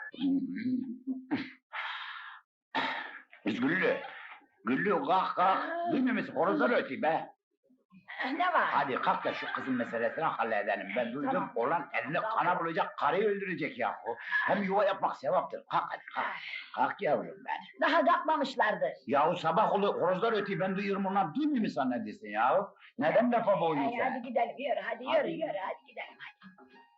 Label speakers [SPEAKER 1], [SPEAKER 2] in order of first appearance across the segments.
[SPEAKER 1] Kız Güllü. Güllü kalk kalk. Duymuyor musun? Horozlar ötüyor be.
[SPEAKER 2] Ne var?
[SPEAKER 1] Hadi kalk da şu kızın meselesini halledelim. Ben duydum
[SPEAKER 2] Tamam.
[SPEAKER 1] olan eline kana bulacak, karıyı öldürecek yahu. Hem yuva yapmak sevaptır. Kalk hadi kalk. Kalk yavrum ben.
[SPEAKER 2] Daha kalkmamışlardır.
[SPEAKER 1] Yahu sabah oluyor, horozlar ötüyor, ben duyuyorum onlar duymuyor mu zannediyorsun yahu? Neden lafa boğuyorsun
[SPEAKER 2] Hadi
[SPEAKER 1] sen?
[SPEAKER 2] gidelim, yürü, hadi
[SPEAKER 1] Hadi.
[SPEAKER 2] yürü, hadi gidelim, hadi.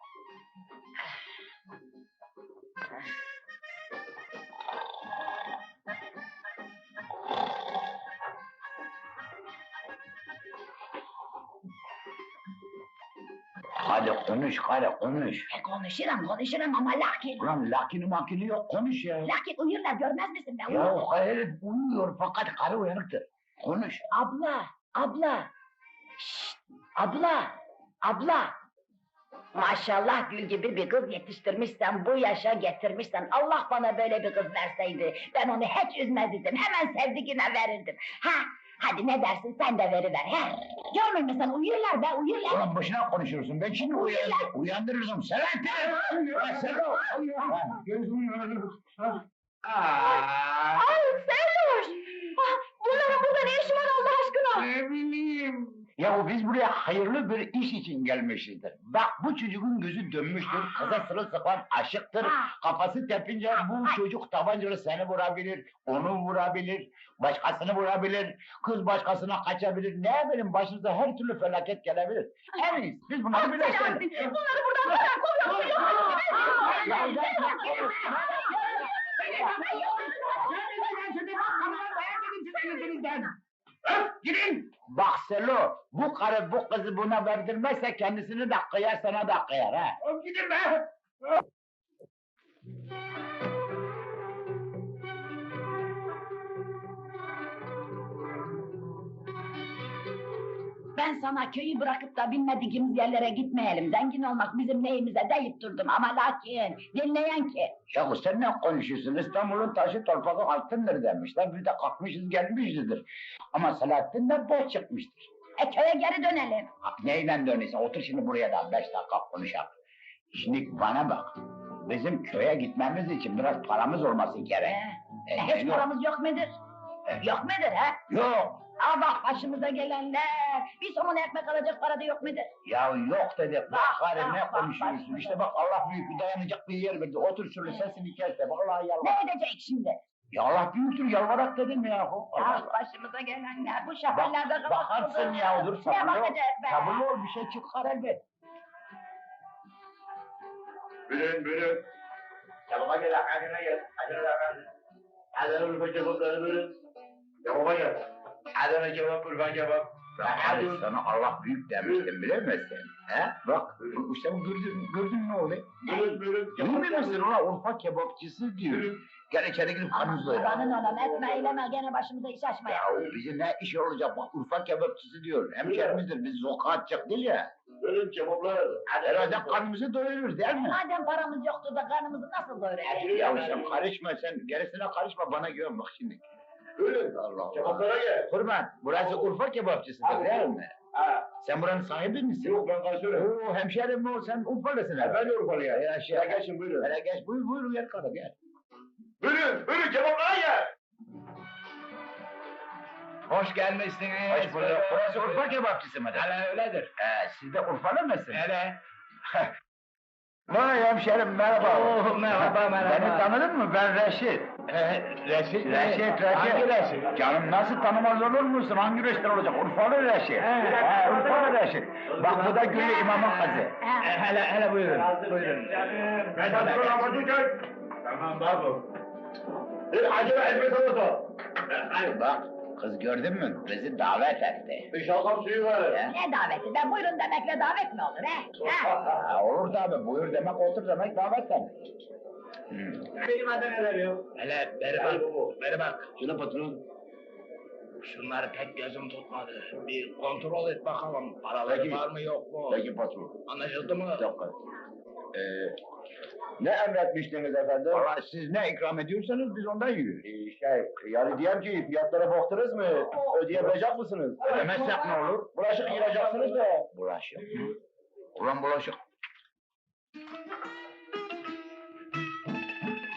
[SPEAKER 1] Hadi konuş karı konuş.
[SPEAKER 2] Konuşurum ama lakin...
[SPEAKER 1] Ulan lakini makini yok konuş ya.
[SPEAKER 2] Lakin uyurlar, görmez misin ben
[SPEAKER 1] Ya
[SPEAKER 2] uyurum.
[SPEAKER 1] herif uyuyor fakat karı uyanıktır. Konuş.
[SPEAKER 2] Abla. Şşt, abla. Maşallah gül gibi bir kız yetiştirmişsen, bu yaşa getirmişsen, Allah bana böyle bir kız verseydi, ben onu hiç üzmezdim, hemen sevdiğine verirdim. Hadi ne dersin, sen de veriver, he? Görmüyor musun, uyurlar be, uyurlar.
[SPEAKER 1] Ulan boşuna konuşuyorsun, ben şimdi uyandırırım. Selahattin!
[SPEAKER 2] Ay Serdoş! Bunların burada ne işi var Allah aşkına?
[SPEAKER 1] Ne bileyim. Ya biz buraya hayırlı bir iş için gelmişizdir. Bak bu çocuğun gözü dönmüştür, kıza sırılsıklam aşıktır. Kafası tepince bu çocuk tabancalı seni vurabilir, onu vurabilir, başkasını vurabilir, kız başkasına kaçabilir. Ne bileyim başınıza her türlü felaket gelebilir. En iyisi biz bunları birleştirelim.
[SPEAKER 2] Bunları buradan bırak, kovuyor.
[SPEAKER 1] Gidin! Bak Selo, bu karı bu kızı buna verdirmezse kendisini de kıyar sana da kıyar ha. Gidin be!
[SPEAKER 2] Ben sana köyü bırakıp da bilmediğimiz yerlere gitmeyelim. Zengin olmak bizim neyimize deyip durdum ama lakin dinleyen ki.
[SPEAKER 1] Ya sen ne konuşuyorsun? İstanbul'un taşı torpağı altındır demişler. Biz de kalkmışız gelmişizdir. Ama Selahattin de boş çıkmıştır.
[SPEAKER 2] Köye geri dönelim.
[SPEAKER 1] Neyle dönüyorsun? Otur şimdi buraya da 5 dakika konuşalım. Şimdi bana bak. Bizim köye gitmemiz için biraz paramız olması gerek.
[SPEAKER 2] Hiç paramız yok mudur? Yok mudur ha?
[SPEAKER 1] Yok.
[SPEAKER 2] Bak başımıza gelenler. Bir somun ekmek alacak para da yok mudur?
[SPEAKER 1] Ya yok dedik. Bak karı ne
[SPEAKER 2] bak,
[SPEAKER 1] konuşuyorsun?
[SPEAKER 2] bak.
[SPEAKER 1] İşte bak Allah büyük bir dayanacak bir yer verdi. Otur şöyle sesini kes de. Vallahi yalvar.
[SPEAKER 2] Ne edecek şimdi?
[SPEAKER 1] Ya Allah büyüktür yalvarak dedim ya.
[SPEAKER 2] Başımıza gelenler bu şehirlerde
[SPEAKER 1] Bakarsın ya dur
[SPEAKER 2] Ne
[SPEAKER 1] sabırlı ol.
[SPEAKER 2] bakacak be?
[SPEAKER 1] Sabırlı ol bir şey çıkar elbet.
[SPEAKER 3] Buyurun. Çabuk gel, acele gel. Adana urfa kebapları buyurun. Çabuk gel. Adana kebap, urfa kebap.
[SPEAKER 1] Hadi sana Allah büyük demiştim bilir misin? He? Bak işte gördün ne oluyor?
[SPEAKER 3] Buyurun.
[SPEAKER 1] Bilmiyor musun ulan Urfa kebapçısı diyor. Gel içeri girip kanımızı doyuralım.
[SPEAKER 2] Kurbanın olam etme eyleme gene başımıza iş açma ya.
[SPEAKER 1] Ya bize ne iş olacak bak Urfa kebapçısı diyor. Hemşerimizdir biz zoka atacak değil ya.
[SPEAKER 3] Buyurun kebaplar.
[SPEAKER 1] Herhalde kanımızı doyururuz değil mi?
[SPEAKER 2] Madem paramız yoktu da karnımızı nasıl doyuracağız?
[SPEAKER 1] Ya sen karışma sen gerisine karışma bana güven bak şimdi.
[SPEAKER 3] Buyurun.
[SPEAKER 1] Allah Allah.
[SPEAKER 3] Kebaplara gel.
[SPEAKER 1] Kurban burası Urfa kebapçısıdır değil mi?
[SPEAKER 3] Ha.
[SPEAKER 1] Sen buranın sahibi misin?
[SPEAKER 3] Yok ben karşıyorum.
[SPEAKER 1] Oo hemşerim mi o sen Urfalısın
[SPEAKER 3] Ben
[SPEAKER 1] herhalde.
[SPEAKER 3] de Urfalı ya.
[SPEAKER 1] Ya şey.
[SPEAKER 3] Ya geçin buyurun.
[SPEAKER 1] Hele geç buyur gel kadın gel.
[SPEAKER 3] Buyurun kebaplara gel.
[SPEAKER 4] Hoş gelmişsiniz.
[SPEAKER 1] Hoş bulduk. Burası Urfa kebapçısı mıdır?
[SPEAKER 4] Hele öyledir.
[SPEAKER 1] Siz de Urfalı mısınız?
[SPEAKER 4] Hele.
[SPEAKER 1] Vay hemşerim merhaba.
[SPEAKER 4] Oo, merhaba.
[SPEAKER 1] Beni tanıdın mı? Ben Reşit.
[SPEAKER 4] Reşit. Hangi Reşit?
[SPEAKER 1] Canım nasıl tanımaz olur musun? Hangi Reşit olacak? Urfalı Reşit. Urfalı Reşit. Bak bu da Güllü İmam'ın kızı.
[SPEAKER 4] Hele buyurun.
[SPEAKER 3] Ben de Ramazan. Tamam babu. Acele etme salata.
[SPEAKER 1] Bak kız gördün mü? Bizi davet etti.
[SPEAKER 3] Bir şalgam suyu ver.
[SPEAKER 2] Ne daveti be? Buyurun demekle davet mi olur he?
[SPEAKER 1] Olur tabi buyur demek otur demek davet demek.
[SPEAKER 3] Benim adı neler ya?
[SPEAKER 4] Hele beri bak.
[SPEAKER 3] Şuna patron.
[SPEAKER 4] Şunları pek gözüm tutmadı. Bir kontrol et bakalım. Paraları
[SPEAKER 1] Peki.
[SPEAKER 4] var mı yok mu?
[SPEAKER 1] Peki patron.
[SPEAKER 4] Anlaşıldı mı?
[SPEAKER 1] Bir dakika. Ne emretmiştiniz efendim? Valla siz ne ikram ediyorsanız biz ondan yiyoruz.
[SPEAKER 3] Yani diyelim ki fiyatlara baktınız mı? Ödeyebilecek misiniz?
[SPEAKER 1] Ödemezsek ne olur?
[SPEAKER 3] Bulaşık yiyeceksiniz de.
[SPEAKER 1] Bulaşık mı? Ulan bulaşık.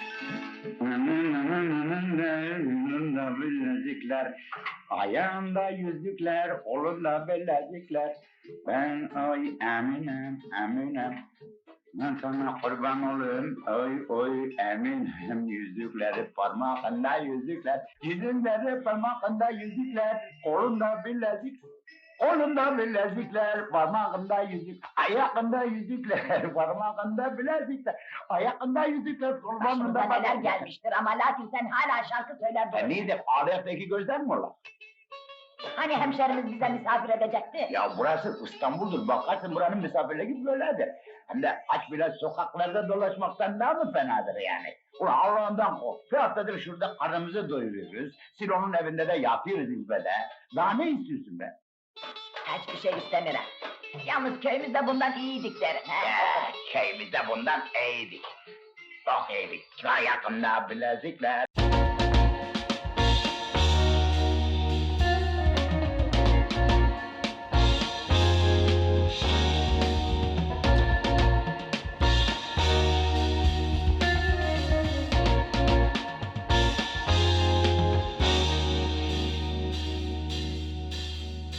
[SPEAKER 1] yüzükler, ayağında yüzükler, kolunda bilezikler. Ben oy eminim, eminim. Ben sana kurban olayım, oy eminim. Yüzükleri parmağında yüzükler, yüzükleri parmağında yüzükler, kolunda bilezik. Kolunda bilezikler, parmağında yüzük, ayağında yüzükler, parmağında bilezikler, ayağında yüzükler,
[SPEAKER 2] Başımıza
[SPEAKER 1] kolunda
[SPEAKER 2] neler gelmiştir ama lakin sen hala şarkı söyler durursun.
[SPEAKER 1] Neydi? Ağlayaktaki gözler mi ola?
[SPEAKER 2] Hani hemşerimiz bize misafir edecekti?
[SPEAKER 1] Ya burası İstanbul'dur, bakarsın buranın misafirliği böyledir. Hem de aç bile sokaklarda dolaşmaktan daha mı fenadır yani? Ulan Allah'ından kork, bir haftadır şurada karnımızı doyuruyoruz, Silo'nun evinde de yatıyoruz izbede. Daha ne istiyorsun be?
[SPEAKER 2] Hiçbir şey istemiyorum. Yalnız köyümüzde bundan iyiydik derim.
[SPEAKER 1] Köyümüzde bundan iyiydik. Çok iyiydik. Ayakında bilezikler.